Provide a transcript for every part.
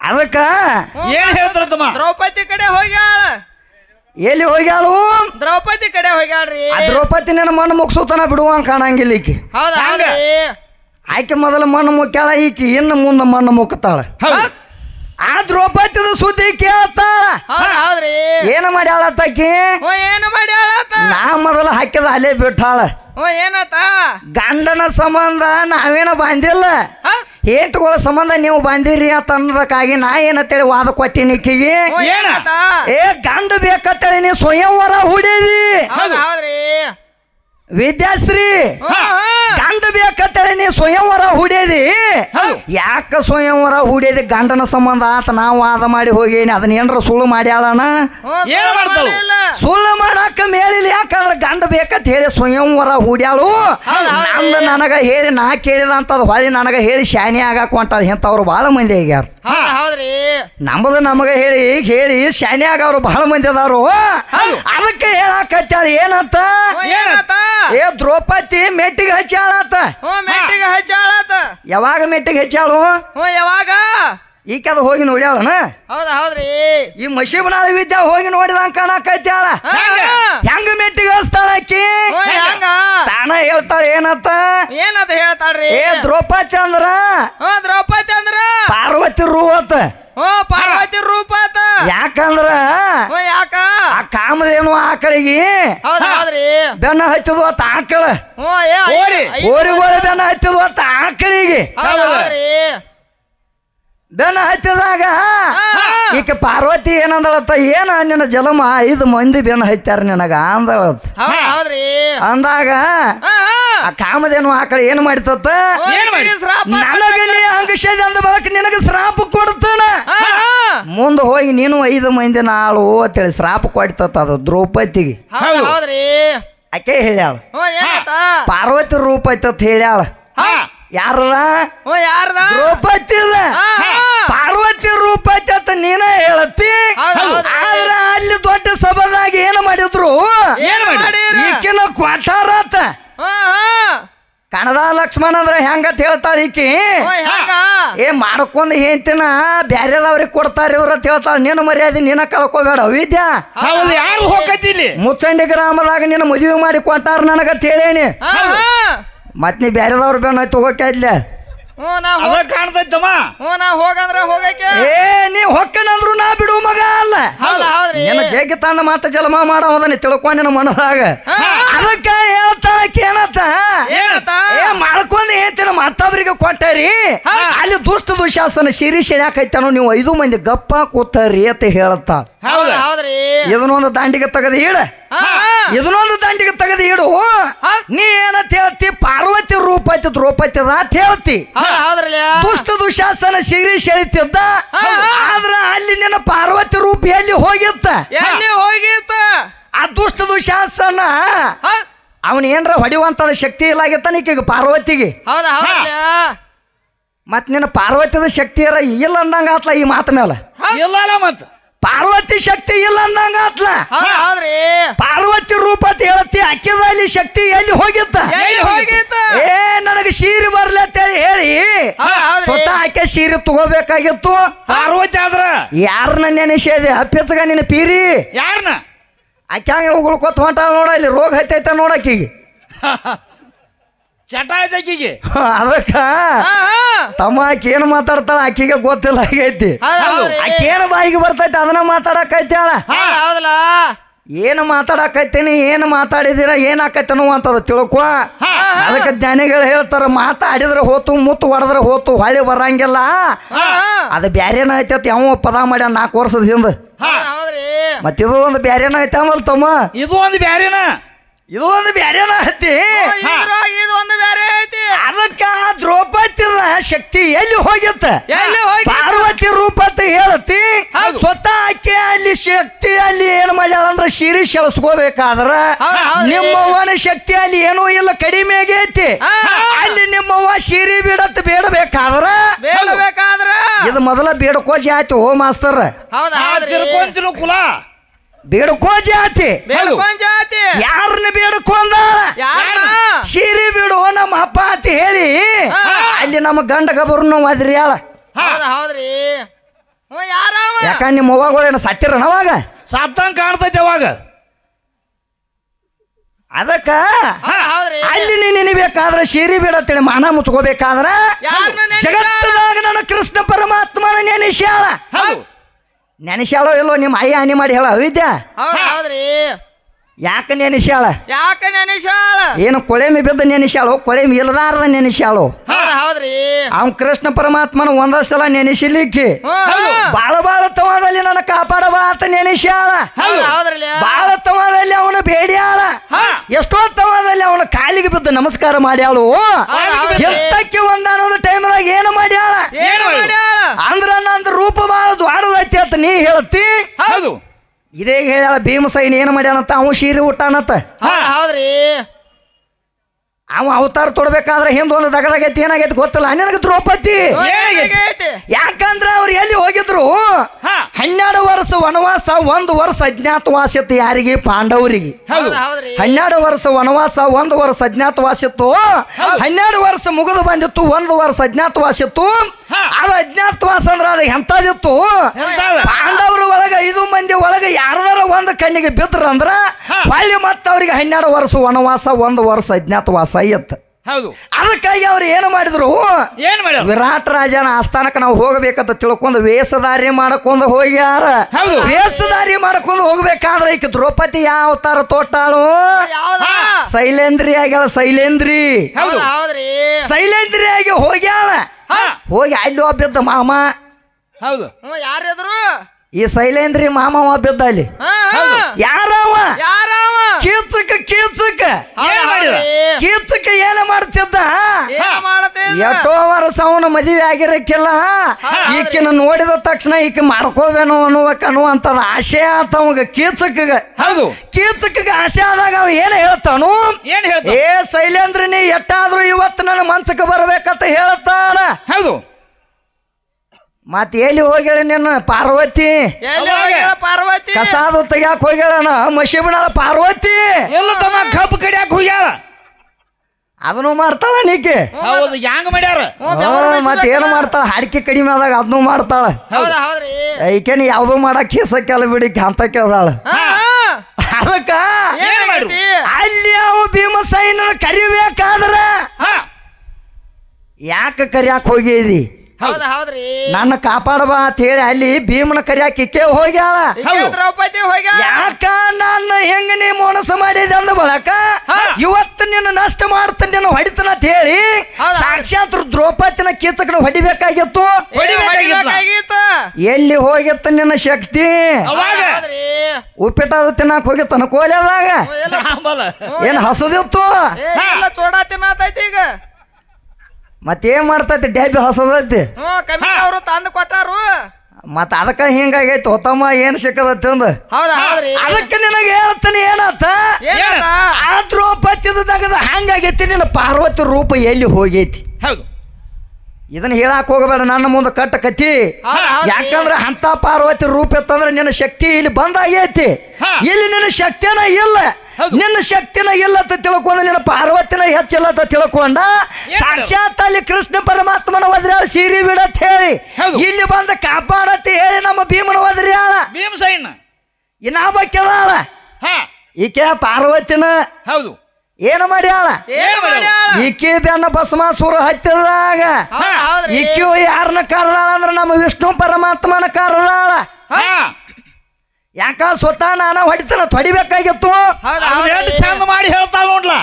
ಅದಕ್ಕ ಏನ್ ಹೇಳ್ತಾರ ತಮ್ಮ? ದ್ರೌಪದಿ ಕಡೆ ಹೋಗ್ಯಾಳ. ಎಲ್ಲಿ ಹೋಗ್ಯಾಳು? ದ್ರೌಪದಿ ಕಡೆ ಹೋಗ್ಯಾಳ್ರಿ. ದ್ರೌಪದಿ ನನ್ನ ಮಣ್ಣು ಮುಗಿಸೋತನ ಬಿಡುವಂಗ ಕಾಣಂಗಿಲ್ಲ ಈಕಿ. ಹೌದಾ ಹೌದ್ರಿ. ಆಕೆ ಮೊದಲು ಮಣ್ಣು ಮುಕ್ಕ್ಯಾಳ, ಈಕಿ ಇನ್ನು ಮುಂದೆ ಮಣ್ಣು ಮುಕ್ತಾಳ. ಆ ದ್ರೌಪದಿದ ಸುದ್ದಿ ಕೇಳ್ತಾಳ. ಹೌದ್ರಿ. ಏನು ಮಾಡ್ಯಾಳತ್ತಾಕಿ? ಏನು ಮಾಡ್ಯಾಳತ್ತ? ನಾ ಮೊದಲು ಹಾಕಿದ ಅಲ್ಲೇ ಬಿಟ್ಟಾಳ. ಏನತ್ತ? ಗಂಡನ ಸಂಬಂಧ ನಾವೇನ ಬಾಂಧಿಲ್ಲ, ಹೇಂತಗಳ ಸಂಬಂಧ ನೀವು ಬಾಂಧಿರಿ ಅಂತ ಅನ್ನೋದಕ್ಕಾಗಿ ನಾ ಏನಂತೇಳಿ ವಾದ ಕೊಟ್ಟಿನಿ ಈಕಿಗೆ. ಏ ಗಂಡ ಬೇಕಂತೇಳಿ ನೀ ಸ್ವಯಂವರ ಹೂಡಿದಿ. ಹೌದ್ರಿ. ವಿದ್ಯಾಶ್ರೀ ಗಂಡ ಬೇಕಂತೇಳಿ ನೀ ಸ್ವಯಂವರ ಹೂಡಿದಿ. ಯಾಕ ಸ್ವಯಂವರ ಹೂಡಿದಿ? ಗಂಡನ ಸಂಬಂಧ ಆತ ನಾವು ವಾದ ಮಾಡಿ ಹೋಗೇನಿ. ಅದನ್ನ ಏನ್ರ ಸುಳ್ಳು ಮಾಡ್ಯಾಳನ? ಸುಳ್ಳು ಮಾಡಾಕ ಮೇಲಿಲ್ಲ. ಯಾಕಂದ್ರೆ ಗಂಡ ಬೇಕಂತ ಹೇಳಿ ಸ್ವಯಂವರ ಹೂಡ್ಯಾಳು. ನಮ್ದು ನನಗ ಹೇಳಿ ನಾ ಕೇಳಿದಂತದ್ ಹೊಳಿ ನನಗ ಹೇಳಿ ಶಾನಿ ಆಗಾಕ ಹೊಂಟಾಳ. ಇಂಥವ್ರು ಬಹಳ ಮಂದಿ ಆಗ್ಯಾರ. ನಮ್ಮದು ನಮಗ ಹೇಳಿ ಹೇಳಿ ಶಾನಿ ಆಗವ್ರು ಬಹಳ ಮಂದಿ ಅದಾರು. ಅದಕ್ಕೆ ಹೇಳಾಕತ್ತಾಳ ಏನಂತ? ಏ ದ್ರೌಪದಿ ಮೆಟ್ಟಿಗೆ ಹಚ್ಚಾಳತ್ತ. ಮೆಟ್ಟಿಗೆ ಹಚ್ಚಾಳತ್ತ. ಯಾವಾಗ ಮೆಟ್ಟಿಗೆ ಹಚ್ಚಾಳು? ಯಾವಾಗ? ಈಕೆ ಅದು ಹೋಗಿ ನೋಡ್ಯಾಳನ? ಹೌದ್ರಿ. ಈ ಮಶೀಬನಾಳ ವಿದ್ಯಾ ಹೋಗಿ ನೋಡಿದಂಗ ಕಾಣಕತ್ಯಾಳ. ಹೆಂಗ ಮೆಟ್ಟಿಗೆ ಹಚ್ತಾಳ ಆಕಿ? ತಾನ ಹೇಳ್ತಾಳ ಏನಂತ? ಏನಂತ ಹೇಳ್ತಾಳ್ರಿ? ಏ ದ್ರೌಪದಿ ಅಂದ್ರ ದ್ರೌಪದಿ ಅಂದ್ರ ಪಾರ್ವತಿ ರೂಪತ್. ಪಾರ್ವತಿ ರೂಪ. ಯಾಕಂದ್ರ ಯಾಕ? ಆ ಕಾಮದೇನು ಆಕಳಿಗೆ ಹೌದ್ರಿ ಬೆನ್ನ ಹಚ್ಚದು ಅತ್ತ ಆಕಳ. ಓರಿಗೋಳ ಬೆನ್ನ ಹಚ್ಚದು ಅತ್ತ ಆಕಳಿಗೆ. ಬೆನ್ನ ಹಚ್ಚಿದಾಗ ಈಕೆ ಪಾರ್ವತಿ ಏನಂದಳತ್ತ? ಏನ ನಿನ್ನ ಜಲಮ 5 ಮಂದಿ ಬೆನ್ನ ಹಚ್ಚಾರ ನಿನಗ ಅಂದಳತ್ತ. ಅಂದಾಗ ಆ ಕಾಮದೇನು ಆಕಳ ಏನ್ ಮಾಡಿತತ್ತ? ನನಗ ನೀ ಅಂಗಷದ ಅಂದ ಬಳಕ ನಿನಗ ಶ್ರಾಪ ಕೊಡ್ತಾನ. ಮುಂದೆ ಹೋಗಿ ನೀನು 5 ಮಂದಿ ನಾಳು ಅಂತೇಳಿ ಶ್ರಾಪ ಕೊಡ್ತತ್ತ. ಅದು ದ್ರೌಪದಿಗೆ ಆಕೆ ಹೇಳ್ಯಾಳ. ಪಾರ್ವತಿ ರೂಪ ಐತತ್ ಹೇಳ್ಯಾಳ. ಯಾರದ? ದ್ರೌಪದಿದ. ಪಾರ್ವತಿ ರೂಪ ಐತತ್ ನೀನ ಹೇಳತ್ತಿ. ಆದ್ರ ಅಲ್ಲಿ ದೊಡ್ಡ ಸಭಾದಾಗ ಏನ್ ಮಾಡಿದ್ರು? ಈಕಿನ ಕೊಟ್ಟಾರತ್ತ. ಕಣದ ಲಕ್ಷ್ಮಣ ಅಂದ್ರ ಹೆಂಗತ್ ಹೇಳ್ತಾಳ ಈಕಿ? ಏ ಮಾಡ್ಕೊಂಡ್ ಹೇಳ್ತೀನ ಬ್ಯಾರೆದವ್ರಿಗೆ ಕೊಡ್ತಾರ ಇವ್ರ ಅಂತ ಹೇಳ್ತಾಳ. ನಿನ್ನ ಮರ್ಯಾದೆ ನೀನ ಕಳ್ಕೋಬೇಡ ವಿದ್ಯಾ. ಮುಚ್ಚಂಡಿ ಗ್ರಾಮದಾಗ ನಿನ್ನ ಮದುವೆ ಮಾಡಿ ಕೊಟ್ಟಾರ ನನಗತ್ ಹೇಳೇನಿ. ಮತ್ ನೀ ಬ್ಯಾರೆದವ್ರ ಬೇಡ ತಗೋಕೆ ಇದ್ಲೆ ಕಾಣ್ತೈತಮ್ಮ. ಏ ನೀ ಹೊಕ್ಕನಂದ್ರು ನಾ ಬಿಡು ಮಗ ಅಲ್ಲ. ನಿನ್ನ ಜಗ್ಗಿ ತಂದ ಮಾತ ಜಲಮ ಮಾಡವದನ್ನ ತಿಳ್ಕೊಂಡ ನಿನ್ನ ಮನದಾಗ. ಅದಕ್ಕ ಹೇಳ್ತಾಳಕ್ಕೆ ಏನತ್ತ? ಏ ಮಾಡ್ಕೊಂಡ್ ಹೇಳ್ತೀನ ಮತ್ತೊಬ್ರಿಗೆ ಕೊಟ್ಟರಿ. ಅಲ್ಲಿ ದುಷ್ಟ ದುಶಾಸನ ಶಿರೀಶ್ ಯಾಕೈತಾನೋ ನೀವು 5 ಮಂದಿ ಗಪ್ಪ ಕೂತರಿ ಅಂತ ಹೇಳ್ತ. ಇದನ್ನೊಂದು ದಾಂಡಿಗೆ ತೆಗೆದು ಇಡ, ಇದನ್ನೊಂದು ದಾಂಡಿಗೆ ತೆಗೆದು ಇಡು. ನೀ ಏನಂತ ಹೇಳ್ತಿ? ಪಾರ್ವತಿ ರೂಪ ಐತಿ ದ್ರೌಪದಿ ಅಂತ ಹೇಳ್ತಿ. ದುಷ್ಟ ದುಶಾಸನ ಶಿರೀಶ್ ಹೇಳ್ತಿದ್ದ. ಆದ್ರ ಅಲ್ಲಿ ನಿನ್ನ ಪಾರ್ವತಿ ರೂಪ ಎಲ್ಲಿ ಹೋಗಿತ್ತ? ಆ ದುಷ್ಟ ದುಶಾಸನ ಅವನ್ ಏನ್ರ ಹೊಡಿವಂತದ ಶಕ್ತಿ ಇಲ್ಲಾಗಿತ್ತ ಈಕೆಗೆ ಪಾರ್ವತಿಗೆ. ಮತ್ ನಿನ್ನ ಪಾರ್ವತಿದ ಶಕ್ತಿ ಇಲ್ಲ ಅಂದಂಗ ಆತ್ಲ ಈ ಮಾತ ಮೇಲೆ. ಇಲ್ಲ ಮತ್ ಪಾರ್ವತಿ ಶಕ್ತಿ ಇಲ್ಲ ಅಂದಂಗ ಆತ್ಲ. ಪಾರ್ವತಿ ರೂಪ ಅಂತ ಹೇಳತ್ತಿ. ಅಕ್ಕಿದಲ್ಲಿ ಶಕ್ತಿ ಎಲ್ಲಿ ಹೋಗಿತ್ತ? ಏ ನನಗೆ ಸೀರೆ ಬರ್ಲಿ ಅಂತೇಳಿ ಹೇಳಿ ಸ್ವತಃ ಆಕೆ ಸೀರೆ ತಗೋಬೇಕಾಗಿತ್ತು. ಪಾರ್ವತಿ ಆದ್ರ ಯಾರನ್ನ ನೆನೆಸಿದೆ? ಅಪ್ಪಿಚ್ಚಗ ನಿನ್ನ ಪೀರಿ ಯಾರನ್ನ? ಆಕೆ ಹಂಗ ಉಗುಳ್ಕೊತ ಹೊಂಟಾಳ ನೋಡ. ಇಲ್ಲಿ ರೋಗ ಹತ್ತೈತ ನೋಡಕ್ಕಿಗೆ ಚಟ ಆಯ್ತಕ್ಕಿಗೆ. ಅದಕ್ಕ ತಮ್ಮ ಆಕೆ ಏನು ಮಾತಾಡ್ತಾಳ ಆಕಿಗೆ ಗೊತ್ತಿಲ್ಲ ಆಗೈತಿ. ಆಕೆ ಏನು ಬಾಯಿಗೆ ಬರ್ತೈತಿ ಅದನ್ನ ಮಾತಾಡಕೈತಾಳ. ಏನು ಮಾತಾಡಕೈತೀನಿ, ಏನು ಮಾತಾಡಿದಿರ ಏನಾಕೈತನು ಅಂತದ ತಿಳ್ಕೊ. ಅದಕ್ಕೆ ಜ್ಞಾನಿಗಳು ಹೇಳ್ತಾರ ಮಾತಾಡಿದ್ರೆ ಹೋತು ಮುತ್ತು ಹೊಡೆದ್ರೆ ಹೋತು ಹೊಳಿ ಬರಂಗಿಲ್ಲ. ಅದು ಬ್ಯಾರೇನ ಐತತ್ ಯಾವ ಪದ ಮಾಡ್ಯ 4 ವರ್ಷದ ಹಿಂದ. ಮತ್ತಿದು ಒಂದು ಬ್ಯಾರೇನ ಐತಮಲ್ ತಮ್ಮ. ಇದು ಒಂದು ಬ್ಯಾರೇನ, ಇದು ಒಂದು ಬ್ಯಾರೇನ ಐತಿ. ಅದಕ್ಕ ದ್ರೌಪದಿದ ಶಕ್ತಿ ಎಲ್ಲಿ ಹೋಗಿತ್ತ? ಪಾರ್ವತಿ ರೂಪ ಅಂತ ಹೇಳತಿ. ಸ್ವತಃ ಆಕೆ ಅಲ್ಲಿ ಶಕ್ತಿ ಅಲ್ಲಿ ಏನ್ ಮಾಡ್ಯಾಳ ಅಂದ್ರ ಶಿರೀಶ್ ಎಳಸ್ಕೋಬೇಕಾದ್ರ ನಿಮ್ಮವ್ವನ ಶಕ್ತಿ ಅಲ್ಲಿ ಏನೂ ಇಲ್ಲ, ಕಡಿಮೆ ಆಗೈತಿ. ಅಲ್ಲಿ ನಿಮ್ಮವ್ವ ಶಿರಿ ಬಿಡತ್ ಬೇಡಬೇಕಾದ್ರ ಇದು ಮೊದಲ ಬೇಡಕೋ ಜಾತಿ. ಓ ಮಾಸ್ತರ್ ಕುಲ ಬೇಡಕೋ ಜಾತಿ. ಯಾರನ್ನ ಬೇಡಕೊಂದಾಳ? ಸೀರೆ ಬಿಡು ನಮ್ಮ ಅಪ್ಪ ಅಂತ ಹೇಳಿ ಅಲ್ಲಿ ನಮ್ಮ ಗಂಡ ಗಬರ್ನು ಅದ್ರಿ ಹೇಳ. ಯಾಕ ನಿಮ್ಮ ಅವ್ವಗಳೇನು ಸತ್ತಿರನ ಅವಾಗ ಸತ್ತಂಗ್ ಕಾಣ್ತೈತಿ ಅವಾಗ ಅದಕ್ಕ ಹೌದ್ರಿ ಅಲ್ಲಿ ನೀ ನೆನಿಬೇಕಾದ್ರೆ ಶೀರಿ ಬಿಡತ್ತೇಳಿ ಮಾನ ಮುಚ್ಕೋಬೇಕಾದ್ರ ಯಾರನ್ನ ಜಗತ್ತದಾಗ ನನ್ನ ಕೃಷ್ಣ ಪರಮಾತ್ಮನ ನೆನೆಸ್ಯಾಳ ಹೌದು ನೆನೆಸ್ಯಾಳೋ ಇಲ್ಲೋ ನಿಮ್ಮ ಅಯ್ಯ ಹಾನಿ ಮಾಡಿ ಹೇಳ ಅವಿದ್ಯಾ ಹೌದ್ರಿ ಯಾಕ ನೆನೆಸ್ಯಾಳ ಯಾಕ ನೆನೆಸಾಳ ಏನು ಕೊಳೆಮಿ ಬಿದ್ದ ನೆನೆಸ್ಯಾಳು ಕೊಳೆಮಿ ಇಲ್ಲದಾರದ ನೆನೆಸ್ಯಾಳು ಹೌದ್ರಿ ಅವ್ನ್ ಕೃಷ್ಣ ಪರಮಾತ್ಮನ ಒಂದಷ್ಟು ಸಲ ನೆನೆಸಿಲಿಕ್ಕೆ ಬಾಳ ತವಾದಲ್ಲಿ ನನ್ನ ಕಾಪಾಡಬಾ ಅಂತ ನೆನೆಸ್ಯಾಳ ಹೌದ್ರಲ್ಲ ಬಾಳ ತವಾದಲ್ಲಿ ಅವನು ಬೇಡ್ಯಾಳ ಎಷ್ಟೋ ತವಾದಲ್ಲಿ ಅವನ ಕಾಲಿಗೆ ಬಿದ್ದು ನಮಸ್ಕಾರ ಮಾಡ್ಯಾಳು ಎತ್ತಕ್ಕೆ ಒಂದಾನೊಂದು ಟೈಮ್ದಾಗ ಏನು ಮಾಡ್ಯಾಳ ಏನು ಮಾಡ್ಯಾಳ ಅಂದ್ರ ನಂದು ರೂಪ ಬಾಳ ದ್ವಾಡದೈತಿ ಅಂತ ನೀ ಹೇಳ್ತಿ ಹೌದು ಇದೇ ಹೇಳ್ಯಾಳ ಭೀಮಸೈನ್ ಏನು ಮಾಡ್ಯಾನಂತ ಅವ ಶೀರಿ ಊಟಾನತ್ತ ಹೌದ್ರಿ ಅವ ಅವತಾರ ತೊಡ್ಬೇಕಾದ್ರೆ ಹಿಂದೊಂದು ದಗದಾಗೈತಿ ಏನಾಗೈತಿ ಗೊತ್ತಿಲ್ಲ ನನಗೆ ದ್ರೌಪದಿ ಯಾಕಂದ್ರ ಅವ್ರು ಎಲ್ಲಿ ಹೋಗಿದ್ರು 12 ವರ್ಷ ವನವಾಸ 1 ವರ್ಷ ಅಜ್ಞಾತವಾಸ ಇತ್ತು ಯಾರಿಗೆ ಪಾಂಡವರಿಗೆ 12 ವರ್ಷ ವನವಾಸ 1 ವರ್ಷ ಅಜ್ಞಾತವಾಸ ಇತ್ತು 12 ವರ್ಷ ಮುಗಿದು ಬಂದಿತ್ತು 1 ವರ್ಷ ಅಜ್ಞಾತವಾಸ ಇತ್ತು ಅದು ಅಜ್ಞಾತವಾಸ ಅಂದ್ರ ಅದು ಎಂತದಿತ್ತು ಪಾಂಡವ್ರ ಒಳಗ 5 ಮಂದಿ ಒಳಗ ಯಾರದಾರ ಒಂದು ಕಣ್ಣಿಗೆ ಬಿದ್ರಂದ್ರ ಹೊಳ್ಳಿ ಮತ್ತ ಅವ್ರಿಗೆ 12 ವರ್ಷ ವನವಾಸ 1 ವರ್ಷ ಅಜ್ಞಾತವಾಸ ಇತ್ತು ಹೌದು ಅದಕ್ಕಾಗಿ ಅವ್ರು ಏನು ಮಾಡಿದ್ರು ವಿರಾಟ್ ರಾಜನ ಆಸ್ಥಾನಕ್ಕೆ ನಾವು ಹೋಗಬೇಕಂತ ತಿಳ್ಕೊಂಡು ವೇಷಧಾರಿ ಮಾಡಕೊಂಡು ಹೋಗ್ಯಾರ ವೇಷಧಾರಿ ಮಾಡಕೊಂಡು ಹೋಗ್ಬೇಕಾದ್ರೆ ಈಗ ದ್ರೌಪದಿ ಯಾವ ಅವತಾರ ತೋಟಾಳು ಶೈಲೇಂದ್ರಿ ಆಗ್ಯಾಳ ಶೈಲೇಂದ್ರಿ ಆಗಿ ಹೋಗ್ಯಾಳ ಹೋಗಿ ಅಲ್ಲಿ ಒಬ್ಬಿದ್ದ ಮಾಮ ಹೌದು ಯಾರಿದ್ರು ಈ ಶೈಲೇಂದ್ರಿ ಮಾಮ ಒಬ್ಬಿದ್ದ ಅಲ್ಲಿ ಯಾರವ ಕೀಚಕ ಏನ ಮಾಡ್ತಿದ್ದ ಎಷ್ಟೋ ವರ್ಷ ಅವನ ಮದುವೆ ಆಗಿರಕ್ಕಿಲ್ಲ ಈಕಿನ ನೋಡಿದ ತಕ್ಷಣ ಈಕೆ ಮಾಡ್ಕೋಬೇನು ಅನ್ನುವಂತದ ಆಶೆ ಆತ ಅವಾಗ ಕೀಚಕ ಆಶೆ ಆದಾಗ ಅವ ಏನ್ ಹೇಳ್ತಾನು ಏ ಶೈಲೇಂದ್ರ ನೀ ಎಟ್ಟಾದ್ರೂ ಇವತ್ತು ನನ್ನ ಮನ್ಸಕ್ಕೆ ಬರ್ಬೇಕಂತ ಹೇಳ್ತಾನ ಹೌದು ಮತ್ ಎಲ್ಲಿ ಹೋಗ್ಯಾಳ ನಿನ್ನ ಪಾರ್ವತಿ ಕಸಾದು ತೆಗ್ಯಾಕ ಹೋಗ್ಯಾಳ ಮಶಿಬನಾಳ ಪಾರ್ವತಿ ಎಲ್ಲ ತಮ್ಮ ಕಬ್ಬು ಕಡಿಯಾಕ ಹೋಗ್ಯಾಳ ಅದನ್ನು ಮಾಡ್ತಾಳ ನೀಕೆ ಹೌದು ಹ್ಯಾಂಗ ಮಾಡ್ಯಾರ ಮತ್ ಏನು ಮಾಡ್ತಾಳ ಹಾಡಿಕೆ ಕಡಿಮೆ ಆದಾಗ ಅದನ್ನು ಮಾಡ್ತಾಳ ಈಕೇನು ಯಾವ್ದು ಮಾಡಕ್ ಕೇಸಕ್ಕೆಲ್ಲ ಬಿಡಿ ಅಂತ ಕೇಳ್ದಾಳ ಅದಕ್ಕ ಅಲ್ಲಿ ಅವು ಭೀಮಸೈನ ಕರಿಬೇಕಾದ್ರ ಯಾಕೆ ಕರಿಯಾಕ ಹೋಗಿದಿ ನನ್ನ ಕಾಪಾಡಬಾ ಅಂತ ಹೇಳಿ ಅಲ್ಲಿ ಭೀಮನ ಕರಿಯಾಕ ಇಕ್ಕೆ ಹೋಗ್ಯಾಳ ಯಾಕ ನನ್ನ ಹೆಂಗ ನೀ ಮೋನಸ ಮಾಡಿದೆ ಅಂದ ಬಳಕ ಇವತ್ತು ನಿನ್ನ ನಷ್ಟ ಮಾಡ್ತಾನೆ ನಿನ್ನ ಹೊಡಿತನ ಅಂತ ಹೇಳಿ ಸಾಕ್ಷಾತ್ ದ್ರೌಪದಿನ ಕೀಚಕನ ಹೊಡಿಬೇಕಾಗಿತ್ತು ಎಲ್ಲಿ ಹೋಗಿತ್ತ ನಿನ್ನ ಶಕ್ತಿ ಉಪ್ಪಿಟ್ಟು ತಿನ್ನಾಕ ಹೋಗಿತ್ತನ ಕೋಲೆದಾಗ ಏನ್ ಹಸದಿತ್ತು ಚೋಡಾ ತಿನ್ನತೈತಿ ಈಗ ಮತ್ತೇನ್ ಮಾಡ್ತೈತಿ ಡ್ಯಾಬಿ ಹಸದೈತಿ ಅವರು ತಂದು ಕೊಟ್ಟಾರು ಮತ್ತ ಅದಕ್ಕ ಹಿಂಗಾಗೈತಿ ಹೊತ್ತಮ್ಮ ಏನ್ ಸಿಕ್ಕದತ್ತಿ ಅಂದ ಅದಕ್ಕೆ ನಿನಗೆ ಹೇಳ್ತಾನೆ ಏನತ್ತ ಆ ದ್ರೌಪದಿದ ಹಂಗಾಗೈತಿ ನಿನ್ನ ಪಾರ್ವತಿ ರೂಪ ಎಲ್ಲಿ ಹೋಗೈತಿ ಹೌದು ಇದನ್ನ ಹೇಳಾಕ ಹೋಗಬೇಡ ನನ್ನ ಮುಂದೆ ಕಟ್ಟ ಕತ್ತಿ ಯಾಕಂದ್ರೆ ಅಂತ ಪಾರ್ವತಿ ರೂಪ ಇತ್ತಂದ್ರೆ ನಿನ್ನ ಶಕ್ತಿ ಇಲ್ಲಿ ಬಂದಾಗೈತಿ ಇಲ್ಲಿ ನಿನ್ನ ಶಕ್ತಿನ ಇಲ್ಲ ನಿನ್ನ ಶಕ್ತಿನ ಇಲ್ಲ ಅಂತ ತಿಳ್ಕೊಂಡ ನಿನ್ನ ಪಾರ್ವತಿನ ಹೆಚ್ಚಿಲ್ಲ ಅಂತ ತಿಳ್ಕೊಂಡ ಸಾಕ್ಷಾತ್ ಅಲ್ಲಿ ಕೃಷ್ಣ ಪರಮಾತ್ಮನ ಒದ್ರ್ಯಾಳ ಸೀರಿ ಬಿಡತ್ ಹೇಳಿ ಇಲ್ಲಿ ಬಂದ ಕಾಪಾಡತ್ತೆ ಹೇಳಿ ನಮ್ಮ ಭೀಮನ ಒದ್ರ್ಯಾಳ ಭೀಮಸೈನ ಇನ್ನಾಬಕ್ಕೆದಾಳ ಈಕೆ ಪಾರ್ವತಿನ ಹೌದು ಏನು ಮಾಡ್ಯಾಳ ಈಕಿ ಬೆನ್ನ ಭಸ್ಮಾಸುರ ಹತ್ತಿದಾಗ ಈಕಿ ಯಾರನ್ನ ಕರೆದಾಳ ಅಂದ್ರೆ ನಮ್ಮ ವಿಷ್ಣು ಪರಮಾತ್ಮನ ಕರೆದಾಳ ಯಾಕ ಸ್ವತಃ ನಾನ ಹೊಡಿತನ ಹೊಡಿಬೇಕಾಗಿತ್ತು ಚಂದ ಮಾಡಿ ಹೇಳ್ತಾಳ ನೋಡ್ಲ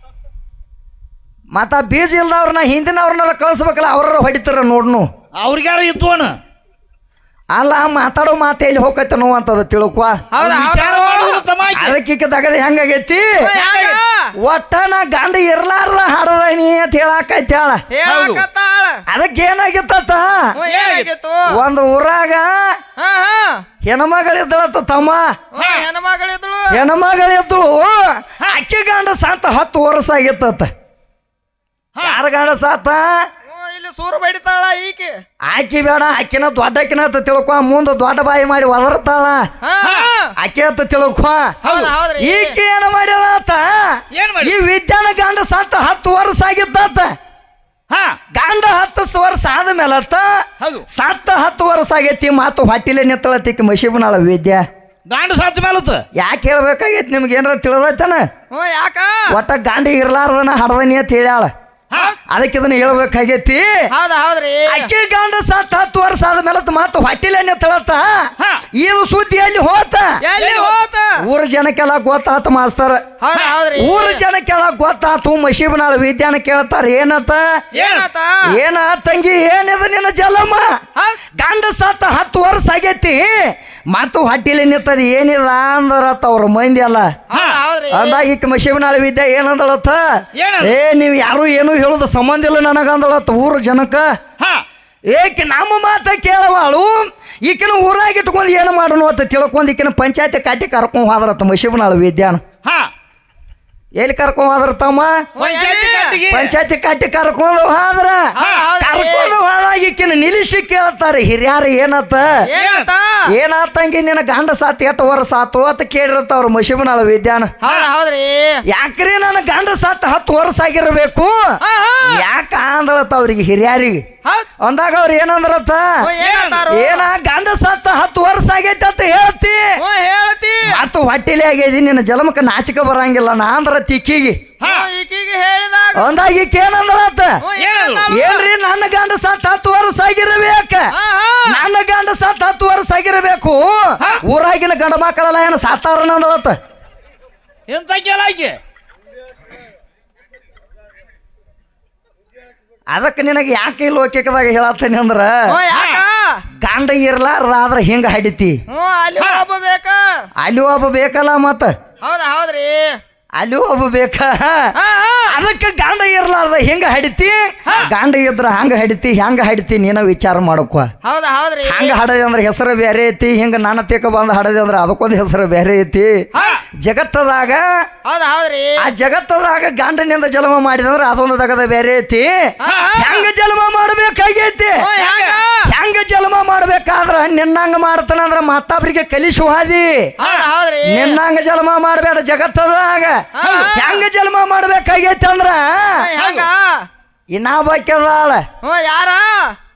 ಮತ್ತ ಬೀಜ ಇಲ್ದವ್ರನ್ನ ಹಿಂದಿನವ್ರನ್ನೆಲ್ಲ ಕಳಿಸ್ಬೇಕಲ್ಲ ಅವ್ರ ಹೊಡಿತಾರ ನೋಡ್ನು ಅವ್ರಿಗಾರ ಇದ್ವನ ಅಲ್ಲ ಮಾತಾಡೋ ಮಾತು ಎಲ್ಲಿ ಹೋಗತ್ತನೋ ಅಂತದ ತಿಳ್ಕೊ ಅದಕ್ಕೆ ದಗದ ಹೆಂಗಾಗೈತಿ ಒಟ್ಟ ನಾ ಗಂಡ ಇರ್ಲಾರ್ದ ಹಾಡದನಿ ಅಂತ ಹೇಳಾಕೈತಾಳ ಅದಕ್ಕೆ ಏನಾಗಿತ್ತ ಒಂದು ಊರಾಗ ಹೆಣ್ಮಗಳಿದ್ದಳತ್ತ ತಮ್ಮ ಹೆಣ್ಮಗಳಿದ್ದಳು ಅಕ್ಕಿ ಗಂಡ ಸಾತ 10 ವರ್ಷ ಆಗಿತ್ತ ಯಾರ ಗಂಡ ಸಾತ ಸೂರು ಬಡಿತಾಳ ಈಕೆ ಆಕಿ ಬೇಡ ಆಕಿನ ದೊಡ್ಡಕಿನ ಅಂತ ತಿಳ್ಕೊ ಮುಂದೆ ದೊಡ್ಡ ಬಾಯಿ ಮಾಡಿ ಒದರ್ತಾಳ ಆಕೆ ಅಂತ ತಿಳ್ಕೊ ಈಕೆ ಏನ ಮಾಡ್ಯಾಳ ಈ ವಿದ್ಯಾನ ಗಂಡ ಸತ್ತ 10 ವರ್ಷ ಆಗಿತ್ತ ಹಾ ಗಂಡ 10 ವರ್ಷ ಆದ್ಮೇಲತ್ತ ಹೌದು ಸತ್ತ 10 ವರ್ಷ ಆಗೈತಿ ಮಾತು ಹೊಟ್ಟಿಲೆ ನಿತ್ತಳತಿಕ್ ಮಶೀಬನಾಳ ವಿದ್ಯಾ ಗಾಂಡು ಸತ್ ಮೇಲತ್ತ ಯಾಕೆ ಹೇಳ್ಬೇಕಾಗೈತಿ ನಿಮ್ಗೆ ಏನಾರ ತಿಳಿದೈತನ ಯಾಕ ಒಟ್ಟ ಗಾಂಡಿ ಇರ್ಲಾರ್ದನ ಹಡದನಿ ಅಂತ ಹೇಳ್ಯಾಳ ಅದಕ್ಕೆ ಇದನ್ನ ಹೇಳ್ಬೇಕಾಗೈತಿ ಹೌದ್ರಿ ಅಕ್ಕಿ ಗಂಡ ಸತ್ತ 10 ವರ್ಷ ಆದ್ಮೇಲೆ ಮಾತು ಹೊಟ್ಟಿಲೆ ನಿತ್ತಳತ್ತ ಇದು ಸುದ್ದಿ ಎಲ್ಲಿ ಹೋತ ಎಲ್ಲಿ ಹೋತ ಊರ ಜನಕ್ಕೆಲ್ಲ ಗೊತ್ತಾತ ಮಾಸ್ತರ್ ಹೌದ್ರಿ ಊರ ಜನಕ್ಕೆಲ್ಲ ಗೊತ್ತಾತು ಮಶೀಬನಾಳ ವಿದ್ಯಾನ ಕೇಳ್ತಾರ ಏನತ್ತ ಏನಾತ ಏನ ತಂಗಿ ಏನಿದ ನಿನ್ನ ಜಲಮ್ಮ ಗಂಡ ಸತ್ತ 10 ವರ್ಷ ಆಗೈತಿ ಮತ್ತು ಹೊಟ್ಟಿಲೆ ನಿತ್ತದ ಏನಿದ ಅಂದ್ರತ್ತ ಅವ್ರ ಮಂದಿ ಅಲ್ಲ ಹೌದ್ರಿ ಅಂದಾಗ ಈಕ ಮಶೀಬನಾಳ ವಿದ್ಯಾ ಏನಂದಳತ್ತ ಏ ನೀವ್ ಯಾರು ಏನು ಹೇಳುದ ಸಂಬಂಧ ಇಲ್ಲ ನನಗಂದಳತ್ತ ಊರ ಜನಕ್ಕ ಏಕೆ ನಮ್ಮ ಮಾತ ಕೇಳವಾಳು ಈಕಿನ ಊರಾಗ ಇಟ್ಕೊಂಡು ಏನು ಮಾಡೋಣ ಅಂತ ತಿಳ್ಕೊಂಡು ಈಕಿನ ಪಂಚಾಯತಿ ಕಾಟಿ ಕರ್ಕೊಂಡ್ ಹೋದ್ರತ್ತ ಮಶೀಬನಾಳ ವಿದ್ಯಾನ ಎಲ್ಲಿ ಕರ್ಕೊಂಡ್ ಹೋದ್ರ ತಮ್ಮ ಪಂಚಾಯತಿ ಕಾಟಿ ಕರ್ಕೊಂಡು ಹೋದ್ರ ಕರ್ಕೊಂಡು ಹೋದಾಗ ಈಕಿನ ನಿಲ್ಲಿಸಿ ಕೇಳ್ತಾರೆ ಹಿರಿಯಾರ ಏನತ್ತ ಏನಾತಂಗಿ ನಿನ್ನ ಗಂಡ ಸಾತ್ 8 ವರ್ಷ ಆತು ಅಂತ ಕೇಳಿರತ್ತ ಅವ್ರ ಮಶೀಬನಾಳ ವಿದ್ಯಾನ ಹೌದ್ರಿ ಯಾಕ್ರಿ ನನ್ನ ಗಂಡ ಸಾತ್ 10 ವರ್ಷ ಆಗಿರ್ಬೇಕು ಯಾಕ ಅಂದಳತ್ತ ಅವ್ರಿಗೆ ಹಿರಿಯಾರಿಗೆ ಅಂದಾಗ ಅವ್ರ ಏನಂದ್ರತ್ತ ಏನ ಗಂಡ ಸತ್ತ 10 ವರ್ಷ ಆಗೈತಿ ಅಂತ ಹೇಳ್ತಿ ಮತ್ತು ಹೊಟ್ಟಿಲೆ ಆಗೈತಿ ನಿನ್ನ ಜಲಮಕ್ಕ ನಾಚಿಕ ಬರಂಗಿಲ್ಲ ನಾ ಅಂದ್ರ ತಿಕ್ಕಿಗಿ ಹೇಳಿದಾಗ ಅಂದಾಗ ಈಕ ಏನಂದ್ರತ್ತ ಏನ್ರಿ ನನ್ನ ಗಂಡ ಸತ್ತ 10 ವರ್ಷ ಆಗಿರಬೇಕ ನನ್ನ ಗಂಡ ಸತ್ತ 10 ವರ್ಷ ಆಗಿರಬೇಕು ಊರಾಗಿನ ಗಂಡ ಮಕ್ಕಳೆಲ್ಲ ಏನು ಸಾತಾರನ ಅಂದಳತ್ತ ಎಂತ ಕೇಳಾಕಿ ಅದಕ್ಕೆ ನಿನಗೆ ಯಾಕೆ ಈ ಲೋಕಿಕದಾಗ ಹೇಳತ್ತೇನೆ ಅಂದ್ರ ಗಂಡ ಇರ್ಲಾರ್ದಾದ್ರ ಹಿಂಗ ಹಡಿತಿ ಅಲ್ಲಿ ಒಬ್ಬ ಬೇಕ ಅಲ್ಲಿ ಒಬ್ಬ ಬೇಕಲ್ಲ ಮತ್ತ ಹೌದ್ರಿ ಅಲ್ಲಿ ಒಬ್ಬ ಬೇಕ ಅದಕ್ಕೆ ಗಂಡ ಇರ್ಲಾರ್ದ ಹಿಂಗ ಹಡಿತಿ ಗಂಡ ಇದ್ರ ಹಂಗ ಹಡಿತಿ ಹೆಂಗ ಹಡಿತಿ ನೀನ ವಿಚಾರ ಮಾಡಕ್ವ ಹೌದ್ರಿ ಹಂಗ ಹಡದೆ ಅಂದ್ರೆ ಹೆಸರು ಬೇರೆ ಐತಿ ಹಿಂಗ ನನ್ನ ತೇಕ ಬಂದ ಹಡದೆ ಅಂದ್ರೆ ಅದಕ್ಕೊಂದು ಹೆಸರು ಬೇರೆ ಐತಿ ಜಗತ್ತದಾಗ ಹೌದ್ರಿ ಆ ಜಗತ್ತದಾಗ ಗಂಡನಿಂದ ಜನ್ಮ ಮಾಡಿದಂದ್ರ ಅದೊಂದು ತಗದ ಬೇರೆ ಐತಿ ಹೆಂಗ ಜನ್ಮ ಮಾಡ್ಬೇಕಾಗೈತಿ ಹೆಂಗ ಜನ್ಮ ಮಾಡ್ಬೇಕಾದ್ರ ನಿನ್ನಂಗ ಮಾಡ್ತಾನಂದ್ರ ಮತ್ತೊಬ್ರಿಗೆ ಕಲಿಸುವ ಹಾದಿ ನಿನ್ನಂಗ ಜನ್ಮ ಮಾಡ್ಬೇಡ ಜಗತ್ತದಾಗ ಹೆಂಗ ಜನ್ಮ ಮಾಡ್ಬೇಕಾಗೈತಿ ಅಂದ್ರ ಇನ್ನ ಬಾಕ್ಯದಾಳ ಯಾರ